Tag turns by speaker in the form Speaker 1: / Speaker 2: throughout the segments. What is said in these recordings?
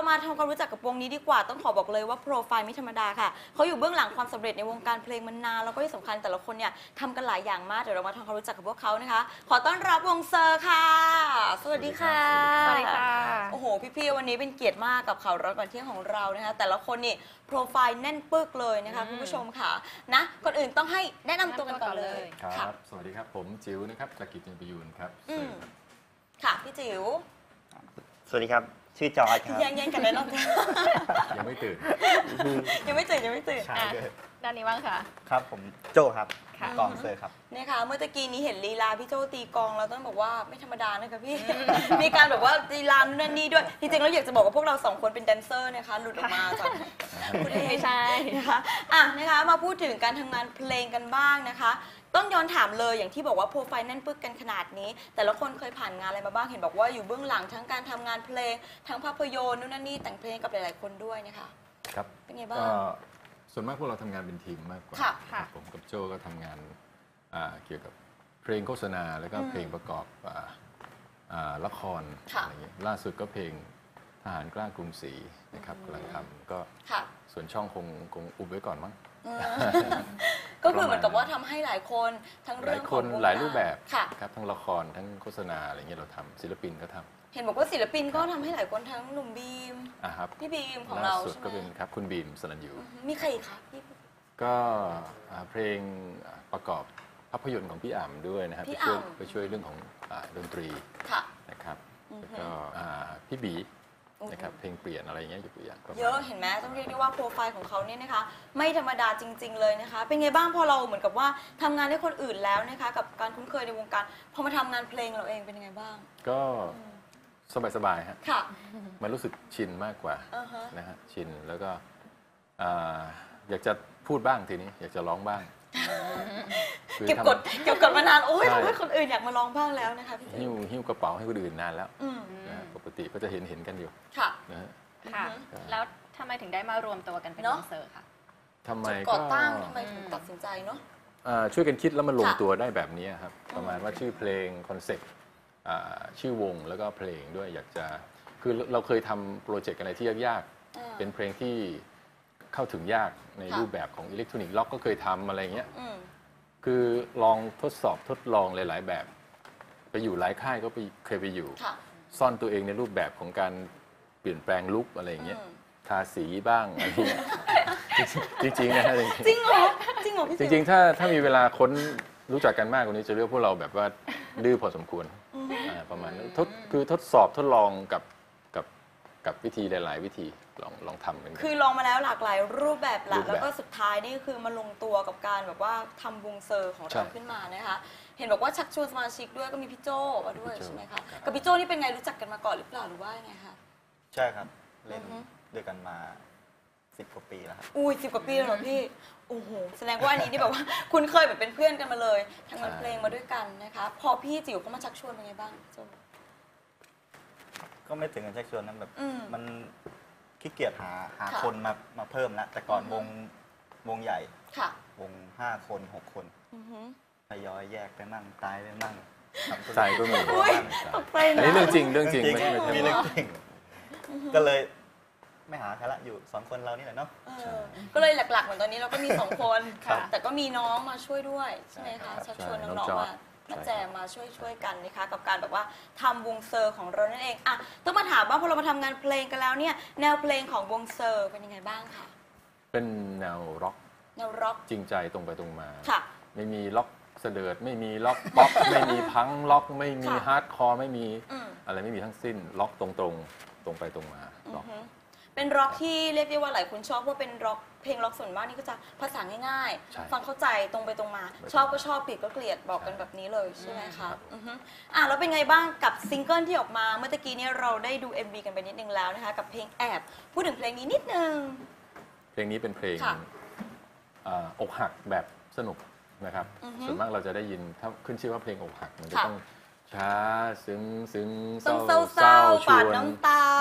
Speaker 1: มาทำความรู้จักกับวงนี้ดีกว่าต้องขอบอกเลยว่าโปรไฟล์ไม่ธรรมดาค่ะเขาอยู่เบื้องหลังความสำเร็จในวงการเพลงมานานแล้วก็ที่สำคัญแต่ละคนเนี่ยทำกันหลายอย่างมากเดี๋ยวเรามาทำความรู้จักกับพวกเขานะคะขอต้อนรับวงเซอร์ค่ะสวัสดีค่ะ
Speaker 2: สวัสดีค่ะ
Speaker 1: โอ้โหพี่ๆวันนี้เป็นเกียรติมากกับข่าวร้อนก่อนเที่ยงของเรานะคะแต่ละคนนี่โปรไฟล์แน่นปึกเลยนะคะคุณผู้ชมค่ะนะก่อนอื่นต้องให้แนะนำตัวกันก่อนเลย
Speaker 3: ครับสวัสดีครับผมจิ๋วนะครับจากกิจประยูนครับ
Speaker 1: ค่ะพี่จิ๋ว
Speaker 4: สวัสดีครับชื่อจอร์จครับ
Speaker 1: แย่งกันเลยเนาะ
Speaker 3: ยังไม่ตื่น
Speaker 1: ยังไม่ตื่น
Speaker 2: ด้านนี้บ้างค่ะ
Speaker 4: ครับผมโจครับกองเซอร์ครับ
Speaker 1: เนี่ยค่ะเมื่อตะกี้นี้เห็นลีลาพี่โจตีกองแล้วต้องบอกว่าไม่ธรรมดานะคะพี่ มีการแบบว่าลีลานั่นนี่ด้วยจริงๆแล้วอยากจะบอกว่าพวกเราสองคนเป็นแดนเซอร์นะคะหลุดออกมาจากคุณ
Speaker 2: ไม่ใช่
Speaker 1: นะคะนะคะมาพูดถึงการทำงานเพลงกันบ้างนะคะต้องย้อนถามเลยอย่างที่บอกว่าโปรไฟล์แน่นปึกกันขนาดนี้แต่ละคนเคยผ่านงานอะไรมาบ้างเห็นบอกว่าอยู่เบื้องหลังทั้งการทำงานเพลงทั้งภาพยนตร์นู่นนั่นนี่แต่งเพลงกับหลายๆคนด้วยนะคะ
Speaker 3: ครับ
Speaker 1: เป็นไงบ้าง
Speaker 3: ส่วนมากพวกเราทำงานเป็นทีมมากกว่าผมกับโจก็ทำงานเกี่ยวกับเพลงโฆษณาแล้วก็เพลงประกอบละครอะไรอย่างเงี้ยล่าสุดก็เพลงทหารกล้ากรุงศรีนะครับกำลังทำก็ส่วนช่องคงอุบไว้ก่อนมั้ง
Speaker 1: ก็คือเหมือนกับว่าทำให้หลายคนทั้งเรื่องของ
Speaker 3: หลายรูปแบบครับทั้งละครทั้งโฆษณาอะไรเงี้ยเราทำศิลปินก็ทำ
Speaker 1: เห็นบอกว่าศิลปินก็ทำให้หลายคนทั้งหนุ่มบีมพี่บีมของเรา
Speaker 3: ใช่ไหมล่าสุดก็เป็นครับคุณบีมสนันยู
Speaker 1: มีใครอีกคะพี่
Speaker 3: ก็เพลงประกอบภาพยนตร์ของพี่อ่ำด้วยนะครับไปช่วยเรื่องของดนตรีนะครับแล้วก็พี่บีนะครับเพลงเปลี่ยนอะไรเงี้ยอยู่อย่าง
Speaker 1: เยอะเห็นไหมต้องเรียกได้ว่าโปรไฟล์ของเขาเนี่ยนะคะไม่ธรรมดาจริงๆเลยนะคะเป็นไงบ้างพอเราเหมือนกับว่าทำงานให้คนอื่นแล้วนะคะกับการคุ้นเคยในวงการพอมาทำงานเพลงเราเองเป็นยังไงบ้าง
Speaker 3: ก็สบายๆฮะ
Speaker 1: ค่ะ
Speaker 3: มันรู้สึกชินมากกว่านะฮะชินแล้วก็อยากจะพูดบ้างทีนี้อยากจะร้องบ้าง
Speaker 1: เก็บกดมานานโอ้ยทำให้คนอื่นอยากมาร้องบ้างแล้วนะคะพี่
Speaker 3: หิ้วกระเป๋าให้คนอื่นนานแล้วปกติก็จะเห็นกันอยู่
Speaker 1: ค่ะ
Speaker 2: ค่ะแล้วทำไมถึงได้มารวมตัวกันเป็นวงเซอร์ค่ะ
Speaker 3: ทำไม
Speaker 1: ก่อตั้งทำไมถึงตัดสินใจเนาะ
Speaker 3: ช่วยกันคิดแล้วมันลงตัวได้แบบนี้ครับประมาณว่าชื่อเพลงคอนเซ็ปต์ชื่อวงแล้วก็เพลงด้วยอยากจะคือเราเคยทำโปรเจกต์อะไรที่ยากๆเป็นเพลงที่เข้าถึงยากในรูปแบบของอิเล็กทรอนิกส์ล็อกก็เคยทำอะไรเงี้ยคือลองทดลองหลายๆแบบไปอยู่หลายค่ายก็เคยไปอยู่ซ่อนตัวเองในรูปแบบของการเปลี่ยนแปลงลุคอะไรเงี้ยทาสีบ้างอะไรเงี้ยจริงๆนะฮะ
Speaker 1: จริงเหรอ
Speaker 3: จริงๆถ้ามีเวลาค้นรู้จักกันมากกว่านี้จะเรียกพวกเราแบบว่าดื้อพอสมควรประมาณนั้นคือทดลองกับวิธีหลายๆวิธีลองทำกัน
Speaker 1: คือลองมาแล้วหลากหลายรูปแบบแล้วก็สุดท้ายนี่คือมาลงตัวกับการแบบว่าทำวงเซอร์ของเราขึ้นมานะคะเห็นบอกว่าชักชวนสมาชิกด้วยก็มีพี่โจมาด้วยใช่ไหมคะกับพี่โจนี่เป็นไงรู้จักกันมาก่อนหรือเปล่าหรือว่าไงคะ
Speaker 4: ใช่ครับเล่นด้วยกันมา10 กว่าปีแล้วครับ
Speaker 1: อุ้ย10 กว่าปีแล้วเหรอพี่โอ้โหแสดงว่าอันนี้นี่แบบว่าคุณเคยแบบเป็นเพื่อนกันมาเลยทำงานเพลงมาด้วยกันนะคะพอพี่จิ๋วเขามาชักชวนเป็นไงบ้างโจ
Speaker 4: ก็ไม่ถึงกับชักชวนนั้นแบบมันขี้เกียจหาคนมาเพิ่มแล้วแต่ก่อนวงใหญ่วง5 คน 6 คนทยอยแยกไปมั่งตายไปมั่ง
Speaker 3: ตายก็มีอันนี้เรื่องจริงไม่ใช่
Speaker 4: มีเรื่องจริงก็เลยไม่หาใครละอยู่2 คนเรานี่แหละเนาะ
Speaker 1: ก็เลยหลักๆเหมือนตอนนี้เราก็มี2 คนแต่ก็มีน้องมาช่วยด้วยใช่ไหมคะชักชวนน้องๆมาแจมมาช่วยกันนะคะกับการแบบว่าทำวงเซอร์ของเรานั่นเองอ่ะต้องมาถามว่าพอเรามาทำงานเพลงกันแล้วเนี่ยแนวเพลงของวงเซอร์เป็นยังไงบ้างคะ
Speaker 3: เป็นแนวร็อกจริงใจตรงไปตรงมาไม่มีล็อกเสดิร์ดไม่มีล็อกป๊อปไม่มีพังล็อกไม่มีฮาร์ดคอร์ไม่มีอะไรไม่มีทั้งสิ้นล็อกตรงไปตรงมา
Speaker 1: เป็นร็อกที่เรียกได้ว่าหลายคนชอบว่าเป็นร็อกเพลงร็อกส่วนมากนี่ก็จะภาษาง่ายๆฟังเข้าใจตรงไปตรงมาชอบก็ชอบเกลียดก็เกลียดบอกกันแบบนี้เลยใช่ไหมคะแล้วเป็นไงบ้างกับซิงเกิลที่ออกมาเมื่อกี้นี้เราได้ดู MV กันไปนิดนึงแล้วนะคะกับเพลงแอบพูดถึงเพลงนี้นิดนึง
Speaker 3: เพลงนี้เป็นเพลงอกหักแบบสนุกนะครับส่วนมากเราจะได้ยินถ้าขึ้นชื่อว่าเพลงอกหักมันจะต้องช้าซึ้ง
Speaker 1: เศร้าปาดน้ำตา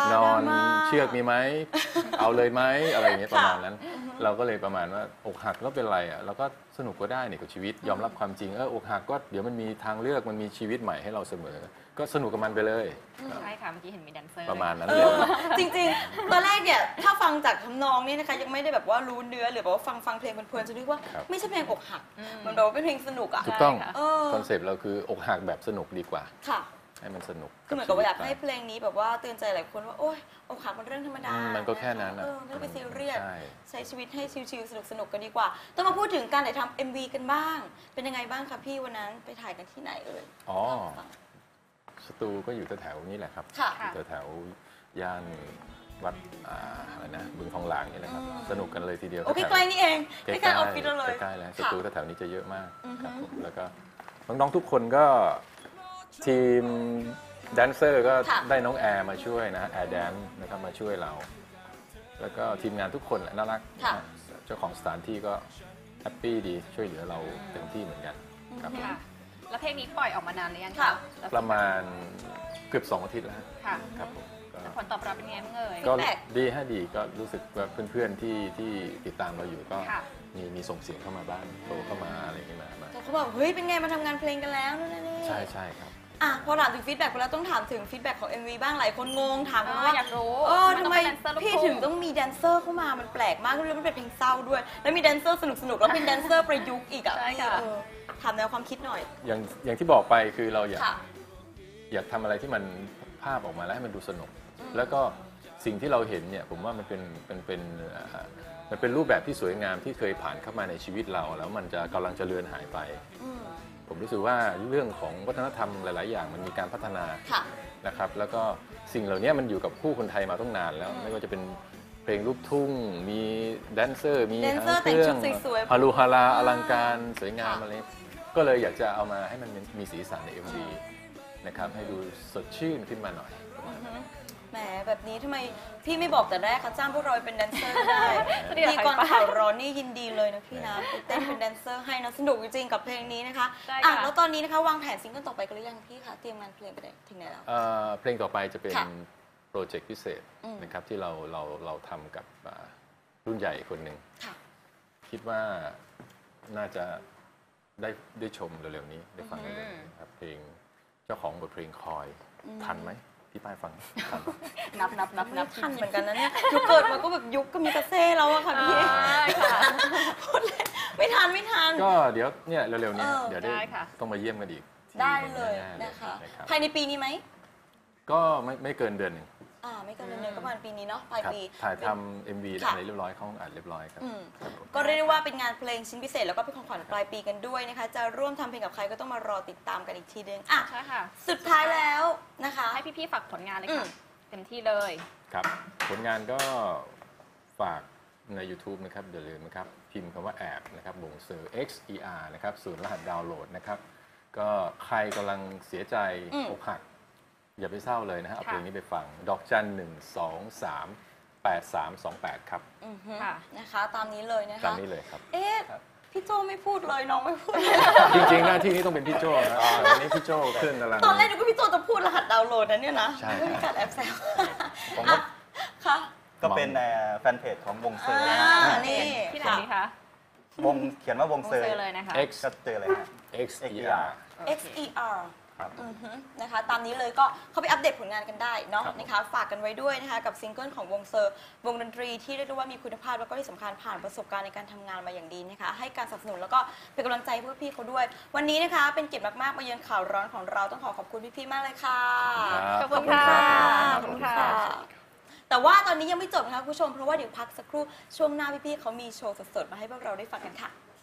Speaker 3: นอน
Speaker 1: ดราม่า
Speaker 3: เชือกมีไหม เอาเลยไหมอะไรอย่างเงี้ยประมาณนั้น เราก็เลยประมาณว่าอกหักก็เป็นไรอ่ะเราก็สนุกก็ได้นี่กับชีวิตยอมรับความจริงอกหักก็เดี๋ยวมันมีทางเลือกมันมีชีวิตใหม่ให้เราเสมอ ก็สนุกกับมันไปเลย
Speaker 2: ใช่ค่ะเมื่อกี้เห็นมีแดนเซอร์
Speaker 3: ประมาณนั้น
Speaker 1: เอ
Speaker 3: เลย
Speaker 1: อจริงๆ ตอนแรกเนี่ยถ้าฟังจากทำนองนี่นะคะยังไม่ได้แบบว่ารู้เนื้อหรือแบบว่าฟังเพลงเพลินๆจะนึกว่า
Speaker 3: ครับ
Speaker 1: ไม่ใช่เพลงอกหักมันแบบว่าเป็นเพลงสนุกอ่ะ
Speaker 3: ถูกต้อง
Speaker 1: เออ
Speaker 3: คอนเซปต์เราคืออกหักแบบสนุกดีกว่า
Speaker 1: ค่ะ
Speaker 3: ให้มันสนุก
Speaker 1: คือเหมือนกับว่าอยากให้เพลงนี้แบบว่าเตือนใจหลายคนว่าโอ๊ยอกหักมันเรื่องธรรมดา
Speaker 3: มันก็แค่นั้น
Speaker 1: เออไม่ต้องไปซีเรียส
Speaker 3: ใช่
Speaker 1: ใช้ชีวิตให้ชิลๆสนุกๆกันดีกว่า ต้องมาพูดถึงการถ่ายทำ MV กันบ้าง เป็นยังไงบ้างคะพี่วันนั้นไปถ่ายกันที่ไหนเอ่ย
Speaker 3: อ๋อ สตูก็อยู่แถวๆนี้แหละครับ
Speaker 1: ค่ะ
Speaker 3: อยู่แถวๆย่านวัดอะไรนะบึงทองหลางนี่แหละครับ สนุกกันเลยทีเดียว
Speaker 1: โอ้
Speaker 3: แถวๆ
Speaker 1: ใกล้ๆนี่เองใก
Speaker 3: ใกล้
Speaker 1: ล้
Speaker 3: ๆ
Speaker 1: ๆออฟฟิศเราเลย
Speaker 3: ใกล้ๆแล้วส
Speaker 1: ค่ะ
Speaker 3: ตูแถวๆนี้จะเยอะมาก
Speaker 1: อือฮึ
Speaker 3: ครับผมแล้วก็น้องๆทุกคนก็ทีมแดนเซอร์ก็
Speaker 1: ค่ะ
Speaker 3: ได้น้องแอร์มาช่วยนะแอร์แดนนะครับมาช่วยเรา แล้วก็ทีมงานทุกคนแหละน่ารัก
Speaker 1: ค่ะ
Speaker 3: นะเจ้าของสถานที่ก็แฮปปี้ดีช่วยเหลือเราเต็มที่เหมือนกันครับ
Speaker 2: ค่ะ แล้วเพลงนี้ปล่อยออกมานานหรือยัง
Speaker 1: ค่ะ
Speaker 2: คะแล้ว
Speaker 3: ประมาณเกือบ2 อาทิตย์แล้ว
Speaker 2: ค่ะ
Speaker 3: ครับผมก็
Speaker 2: ผลตอบรับเป็นไงบ้างเอ่ย
Speaker 3: ก็
Speaker 1: feedback
Speaker 3: ดีฮะดีก็รู้สึกว่าเพื่อนๆที่ติดตามเราอยู่ก็
Speaker 2: ค่ะ
Speaker 3: มีส่งเสียงเข้ามาบ้างโทรเข้ามาอะไรอย่างเงี้ยมา
Speaker 1: เขาบอกเฮ้ยเป็นไงมาทำงานเพลงกันแล้วนู่นนี่
Speaker 3: ใช่ใช่ครับ
Speaker 1: อ่ะพอถามถึงฟีดแบ็กไปแล้วต้องถามถึงฟีดแบ็กของ MV บ้างหลายคนงงถามกันว่า
Speaker 2: อยากรู้
Speaker 1: ทำไม
Speaker 2: นต้องเป็นแดนเซอร์ลูก
Speaker 1: พี่
Speaker 2: ทุ่
Speaker 1: ถึงต้องมีแดนเซอร์เข้ามามันแปลกมากแล้วมันเป็นเพลงเศร้าด้วย แล้วมีแดนเซอร์สนุกๆแล้วเป็นแดนเซอร์ประยุกต์อีกอ่ะ
Speaker 2: ใช่ค่ะ
Speaker 1: เออถามแนวความคิดหน่อย
Speaker 3: อย่างที่บอกไปคือเราอยาก
Speaker 1: ค่ะ
Speaker 3: อยากทำอะไรที่มันภาพออกมาแล้วให้มันดูสนุก แล้วก็สิ่งที่เราเห็นเนี่ยผมว่ามันเป็นรูปแบบที่สวยงามที่เคยผ่านเข้ามาในชีวิตเรา แล้วมันจะกำลังจะเลือนหายไป
Speaker 1: อืม
Speaker 3: ผมรู้สึกว่าเรื่องของวัฒนธรรมหลาย ๆ อย่างมันมีการพัฒนา
Speaker 1: ค่ะ
Speaker 3: นะครับแล้วก็สิ่งเหล่านี้มันอยู่กับคู่คนไทยมาตั้งนานแล้ว ไม่ว่าจะเป็นเพลงลูกทุ่ง มีแดนเซอร์ มี
Speaker 1: แดนเซอร์
Speaker 3: เครื่อง
Speaker 1: แต่งชุดสวยๆ
Speaker 3: ฮารุฮาราอลังการสวยงาม
Speaker 1: ค่ะ
Speaker 3: อะไรก็เลยอยากจะเอามาให้มันมีสีสันใน MV นะครับให้ดูสดชื่นขึ้นมาหน่อย
Speaker 1: แหมแบบนี้ทำไมพี่ไม่บอกแต่แรกคะจ้างพวกเราไปเป็นแดนเซอร์ได้
Speaker 2: จะได้
Speaker 1: พี่ก่อน
Speaker 2: หายไป
Speaker 1: ข่าวร้อนนี่ยินดีเลยนะพี่นะไปเต้นเป็นแดนเซอร์ให้นะสนุกจริงๆกับเพลงนี้นะคะ
Speaker 2: ได้ค่ะ
Speaker 1: อ่ะแล้วตอนนี้นะคะวางแผนซิงเกิลต่อไปกันหรือยังพี่คะเตรียมงานเพลงไปถึงไหนแล้ว
Speaker 3: เพลงต่อไปจะเป็น
Speaker 1: ค่ะ
Speaker 3: โปรเจกต์พิเศษ
Speaker 1: อืม
Speaker 3: นะครับที่เราทำกับรุ่นใหญ่คนหนึ่ง
Speaker 1: ค่ะ
Speaker 3: คิดว่าน่าจะได้ชมเร็วๆนี้ได้ฟังเร็วๆนี้ครับเพลงเจ้าของบทเพลงคอยทันไหมพี่ป้ายฟังทันไหม
Speaker 2: นับ
Speaker 1: ไม่ทันเหมือนกันนะเนี่ยยุคเกิดมาก็แบบยุคก็มีกระเซ่แล้วอะค่ะพี่
Speaker 2: ค่ะ
Speaker 1: พูดเลยไม่ทัน
Speaker 3: ก็เดี๋ยวเนี่ยเร็วๆนี้
Speaker 1: เออ
Speaker 3: เดี๋ยว
Speaker 2: ได้ค่ะ
Speaker 3: ต้องมาเยี่ยมกันอีกที
Speaker 1: ได้เลย
Speaker 3: แๆ
Speaker 1: นะคะ
Speaker 3: รับ
Speaker 1: ภายในปีนี้ไหม
Speaker 3: ก็ไม่เกินเดือนหนึ่ง
Speaker 1: ไม่เกินเดือนหนึงก็ประมาณปีนี้เนาะปลาย
Speaker 3: ครับ
Speaker 1: ปี
Speaker 3: ถ่ายทำ MV
Speaker 1: ค่ะ
Speaker 3: อะไรเรียบร้อยเข้าห้องอัดเรียบร้อยครับ
Speaker 1: อืม
Speaker 3: ครับผม
Speaker 1: ก็เรียกได้ว่าเป็นงานเพลงชิ้นพิเศษแล้วก็เป็นของขวัญปลายปีกันด้วยนะคะ จะร่วมทำเพลงกับใครก็ต้องมารอติดตามกันอีกทีนึงอ่ะ
Speaker 2: ใช่ค่ะ
Speaker 1: สุดท้ายแล้วนะคะ
Speaker 2: ให้พี่ๆฝากผลงานเลย
Speaker 1: อื
Speaker 2: ค่ะ
Speaker 1: ม
Speaker 2: เต็มที่เลย
Speaker 3: ครับผลงานก็ฝากใน YouTube นะครับอย่าลืมนะครับพิมพ์คำว่าแอบนะครับบ่งเซอร์ XER นะครับศูนย์รหัสดาวน์โหลดนะครับก็ใครกำลังเสียใจอกหัก อย่าไปเศร้าเลยนะฮะเอาเพลงนี้ไปฟัง ดอกจัน 1238328 ครับ
Speaker 1: อือฮึ
Speaker 2: ค่ะ
Speaker 1: นะคะตามนี้เลยนะ
Speaker 3: ตาม
Speaker 1: คะ
Speaker 3: นี้เลยครับ
Speaker 1: เอ๊ะพี่โจไม่พูดเลยน้องไม่พูดเลย
Speaker 3: จริงๆหน้าที่นี้ต้องเป็นพี่โจ้นะวันนี้พี่โจ้ขึ้นกำลัง
Speaker 1: ตอนแรกนึกว่าพี่โจจะพูดรหัสดาวน์โหลดนะเนี่ยนะ
Speaker 3: ใช่
Speaker 1: ไม่มีการแอบแซว
Speaker 4: ผมก็
Speaker 1: อ่ะค่ะ
Speaker 4: ก็เป็นแฟนเพจของวงเซอร์
Speaker 1: อ่า
Speaker 4: นะ
Speaker 1: นี่
Speaker 2: ที่ไหนดีคะ
Speaker 4: วงเขียนว่าวง
Speaker 2: วง
Speaker 4: เซอร์
Speaker 2: เซอร์เลยนะคะ
Speaker 3: X
Speaker 4: ก็เจอเลยฮะ
Speaker 3: XER
Speaker 1: XER
Speaker 4: ครับ
Speaker 1: อือฮึนะคะตามนี้เลยก็เข้าไปอัปเดตผลงานกันได้เนาะ
Speaker 3: ครับ
Speaker 1: นะคะฝากกันไว้ด้วยนะคะกับซิงเกิลของวงเซอร์วงดนตรีที่เรียกได้ว่ามีคุณภาพแล้วก็ที่สำคัญผ่านประสบการณ์ในการทำงานมาอย่างดีนะคะให้การสนับสนุนแล้วก็เป็นกำลังใจเพื่อพี่เขาด้วย วันนี้นะคะเป็นเกียรติมากๆมาเยือนข่าวร้อนของเราต้องขอบคุณพี่ๆมากเลยค่ะ
Speaker 2: ขอบคุณค่ะ
Speaker 1: ขอบคุณค่ะ แต่ว่าตอนนี้ยังไม่จบนะคะคุณผู้ชมเพราะว่าเดี๋ยวพักสักครู่ช่วงหน้าพี่ๆเขามีโชว์สดๆมาให้พวกเราได้ฟังกันค่ะ